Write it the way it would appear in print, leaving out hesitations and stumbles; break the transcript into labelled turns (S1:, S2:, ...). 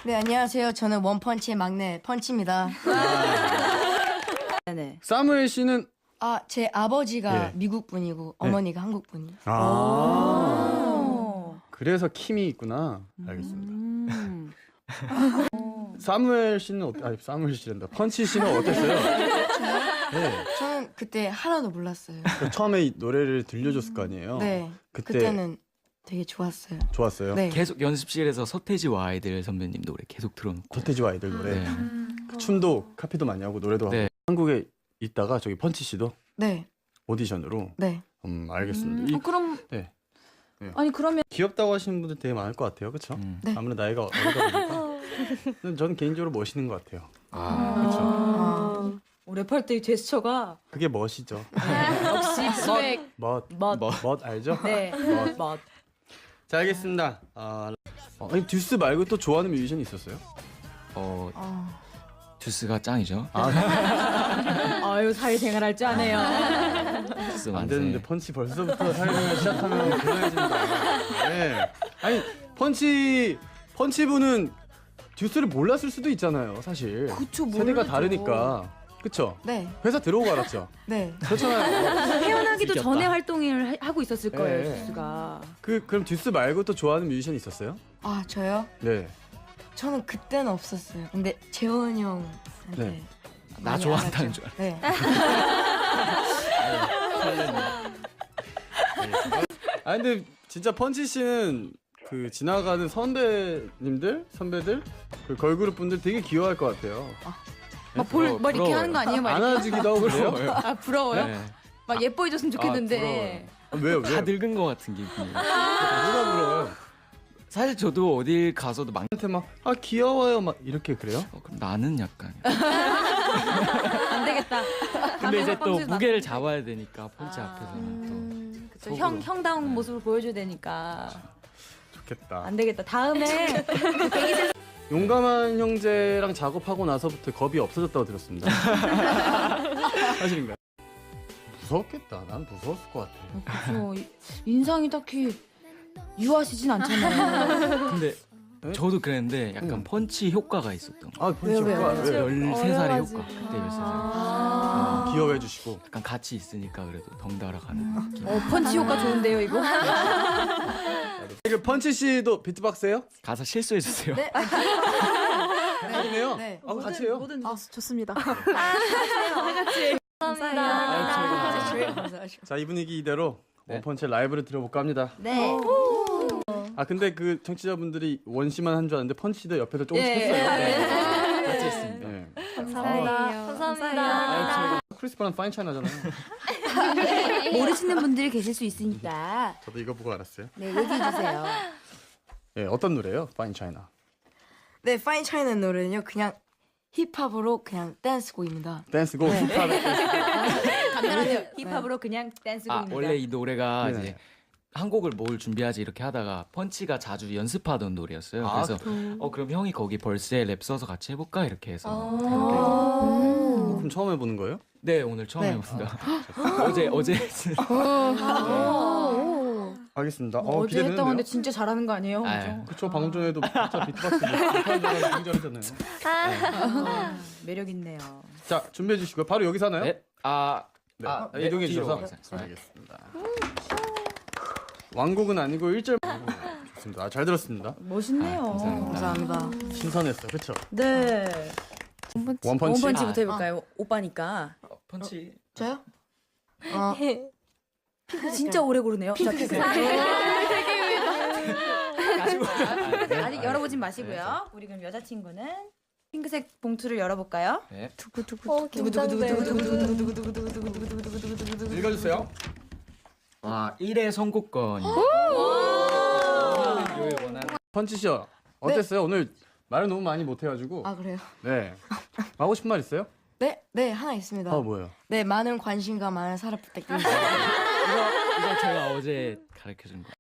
S1: 네, 안녕하세요. 저는 원펀치의 막내 펀치입니다.
S2: 네네.
S3: 사무엘 씨는
S1: 아, 제 아버지가
S3: 예.
S1: 미국 분이고 어머니가 한국 분이에요.
S3: 그래서 킴이 있구나. 알겠습니다. 사무엘 씨는 아니 사무엘 씨란다. 펀치 씨는 어땠어요? 네.
S1: 저는 그때 하나도 몰랐어요.
S3: 처음에 이 노래를 들려줬을 거 아니에요.
S1: 네,
S3: 그때
S1: 그때는 되게 좋았어요.
S3: 좋았어요.
S1: 네,
S4: 계속 연습실에서 서태지와 아이들 선배님 노래 계속 틀어놓고.
S3: 서태지와 아이들 노래.
S4: 네.
S3: 그 춤도 카피도 많이 하고 노래도 하고.
S4: 네.
S3: 한국에 있다가 저기 펀치 씨도
S1: 네,
S3: 오디션으로.
S1: 네.
S3: 알겠습니다.
S2: 그럼
S3: 네. 네.
S2: 아니 그러면
S3: 귀엽다고 하시는 분들 되게 많을 것 같아요. 그렇죠?
S1: 네.
S3: 아무래도 나이가 어리다 보니까. 저는 개인적으로 멋있는 것 같아요.
S4: 아,
S2: 랩할 때 제스처가
S3: 그게 멋이죠.
S2: 역시 스웩
S3: 멋.
S2: 멋.
S3: 알죠?
S2: 네.
S3: 멋.
S2: 멋.
S3: 자, 알겠습니다. 아니 듀스 말고 또 좋아하는 뮤지션이 있었어요?
S4: 듀스가 짱이죠.
S2: 아유 사회생활 할 줄 아네요.
S4: 듀스
S3: 안
S4: 만세.
S3: 되는데 펀치 벌써부터 사회생활 시작하면 곤란해진다. 네. 아니 펀치 분은 듀스를 몰랐을 수도 있잖아요, 사실.
S2: 그쵸,
S3: 세대가
S2: 모르죠.
S3: 다르니까. 그쵸?
S1: 네,
S3: 회사 들어오고 알았죠.
S1: 네.
S3: 그렇잖아요.
S2: 태어나기도
S4: 이겼다.
S2: 전에 활동을 하고 있었을 거예요,
S3: 네.
S2: 듀스가.
S3: 그럼 듀스 말고 또 좋아하는 뮤지션 있었어요?
S1: 아, 저요?
S3: 네.
S1: 저는 그때는 없었어요. 근데 재원이 형한테
S3: 네.
S4: 나
S1: 많이
S4: 좋아한다는
S1: 알았죠.
S4: 줄
S1: 네.
S3: 근데 진짜 펀치 씨는 그 지나가는 선배들 그 걸그룹 분들 되게 귀여워할 것 같아요.
S2: 막 이렇게
S4: 부러워요.
S2: 하는 거 아니에요, 막 이렇게?
S3: 안아주기도 하고 그래요?
S2: 아 부러워요?
S4: 네.
S2: 막 예뻐해줬으면 좋겠는데.
S3: 왜요?
S4: 다 늙은 것 같은 기분이에요.
S3: 누가 불러요?
S4: 사실 저도 어딜 가서도 막
S3: 한테 막 귀여워요 막 이렇게 그래요?
S4: 그럼 나는 약간.
S2: 안 되겠다.
S4: 근데 이제 또
S2: 뻥치지 마.
S4: 무게를 잡아야 되니까 펀치 앞에서는
S2: 그쵸, 형다운 모습을 보여줘야 되니까
S3: 좋겠다.
S2: 안 되겠다. 다음에
S3: 용감한 형제랑 작업하고 나서부터 겁이 없어졌다고 들었습니다. 사실인가요? 무섭겠다. 난 무서웠을 것 같아.
S2: 그쵸, 인상이 딱히 유하시진 않잖아요.
S4: 또. 근데
S3: 네?
S4: 저도 그랬는데 약간 펀치 효과가 있었던 거.
S3: 펀치 효과. 왜요?
S4: 13살의 효과. 그때 13살.
S3: 귀여워해 주시고.
S4: 약간 같이 있으니까 그래도 덩달아 가는 느낌.
S2: 펀치 효과 좋은데요, 이거?
S3: 그 펀치 씨도 비트박스예요?
S4: 가사 실수해 주세요.
S1: 네.
S3: 아니네요.
S1: 네.
S3: 같이 해요?
S1: 아, 좋습니다.
S3: 자, 이 분위기 이대로
S4: 네.
S3: 원펀치 라이브를 들어볼까 합니다.
S2: 네.
S3: 근데 그 청취자분들이 원시만 한 줄 알았는데 펀치도 옆에서 조금씩
S2: 예.
S3: 했어요.
S4: 같이 했습니다.
S3: 네.
S2: 감사합니다.
S3: 크리스파는 파인 차이나잖아요.
S2: 모르시는 분들이 계실 수 있으니까
S3: 저도 이거 보고 알았어요.
S2: 네, 얘기해주세요.
S3: 네, 어떤 노래예요? 파인 차이나.
S1: 네, 파인 차이나 노래는요. 그냥 힙합으로 그냥 댄스곡입니다.
S3: 댄스곡
S1: 네.
S3: 힙합.
S2: 간단하네요. 힙합으로 그냥 댄스곡입니다.
S4: 원래 이 노래가
S3: 네네.
S4: 이제 한 곡을 뭘 준비하지 이렇게 하다가 펀치가 자주 연습하던 노래였어요.
S3: 아,
S4: 그래서 그럼 형이 거기 벌스에 랩 써서 같이 해볼까 이렇게 해서
S3: 그럼 처음 해보는 거예요?
S4: 네 오늘 처음
S1: 네.
S4: 해봅니다. 어제
S3: 알겠습니다.
S2: 어제 했다고
S3: 기대되는데요?
S2: 하는데 진짜 잘하는 거 아니에요?
S4: 아유.
S3: 그쵸, 방금 전에도 진짜 비트박스 굉장히 잘했잖아요.
S2: 매력 있네요.
S3: 자, 준비해 주시고요. 바로 여기서 하나요?
S4: 네.
S3: 네, 이동해
S4: 뒤로
S3: 주셔서.
S4: 가세요.
S3: 알겠습니다. 왕곡은 아니고 1절. 좋습니다. 잘 들었습니다.
S2: 멋있네요.
S4: 감사합니다.
S1: 감사합니다.
S3: 신선했어, 그렇죠?
S2: 네.
S3: 원펀치.
S2: 원펀치부터 해볼까요? 오빠니까.
S4: 펀치
S1: 저요?
S2: 진짜 오래 고르네요. 자, 핑크색. 아직 열어보진 마시고요. 우리 그럼 여자친구는 핑크색 봉투를 열어볼까요?
S4: 네.
S3: 읽어주세요.
S4: 1회 선곡권.
S3: 펀치 씨 어땠어요? 오늘 말을 너무 많이 못해가지고.
S1: 아, 그래요?
S3: 네. 하고 싶은 말 있어요?
S1: 네, 네, 하나 있습니다.
S3: 뭐예요?
S1: 네, 많은 관심과 많은 사랑 부탁드립니다.
S4: 이거 제가 어제 가르쳐준 거.